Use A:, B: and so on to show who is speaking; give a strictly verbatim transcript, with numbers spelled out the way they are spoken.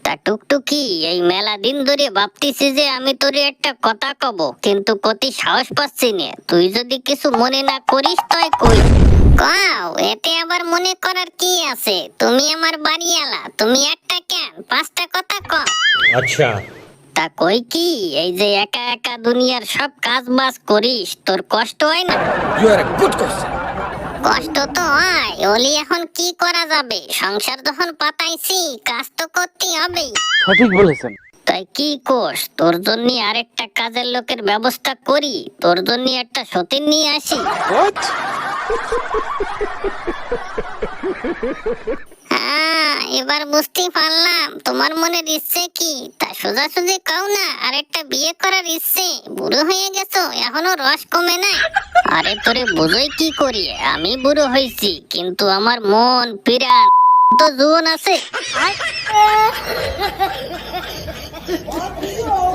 A: তা টুকটুকি, এই মেলা দিন ধরে ভাবতেছি যে আমি তোরে একটা কথা কব, কিন্তু কতি সাহস পাচ্ছি না। তুই যদি কিছু মনে না করিস তাই কই। কাও, এতে আবার মনে করার কি আছে? তুমি আমার বাড়িওয়ালা, তুমি একটা কেন পাঁচটা কথা কও।
B: আচ্ছা,
A: তা কই কি, এই যে একা একা দুনিয়ার সব কাজ বাজ করিস, তোর কষ্ট হয় না?
C: You are a good question.
A: কষ্ট তো হয়, ওলি এখন কি করা যাবে? সংসার যখন পাতাইছি, কাজ তো করতেই হবে।
D: সঠিক বলেছেন।
A: তাই কি কোষ, তোর জন্য আরেকটা কাজের লোকের ব্যবস্থা করি, তোর জন্য একটা সতীন নিয়ে আসি।
D: What?
A: হ্যাঁ, এবার বুঝতে পারলাম তোমার মনের ইচ্ছে কি। তা সোজাসুজি কাও না, আরেকটা বিয়ে করার ইচ্ছে। বুড়ো হয়ে গেছো, এখনো রস কমে নাই। আরে তোরে বুঝোই কি করি, আমি বুড়ো হয়েছি, কিন্তু আমার মন পিরান তো জীবন আছে।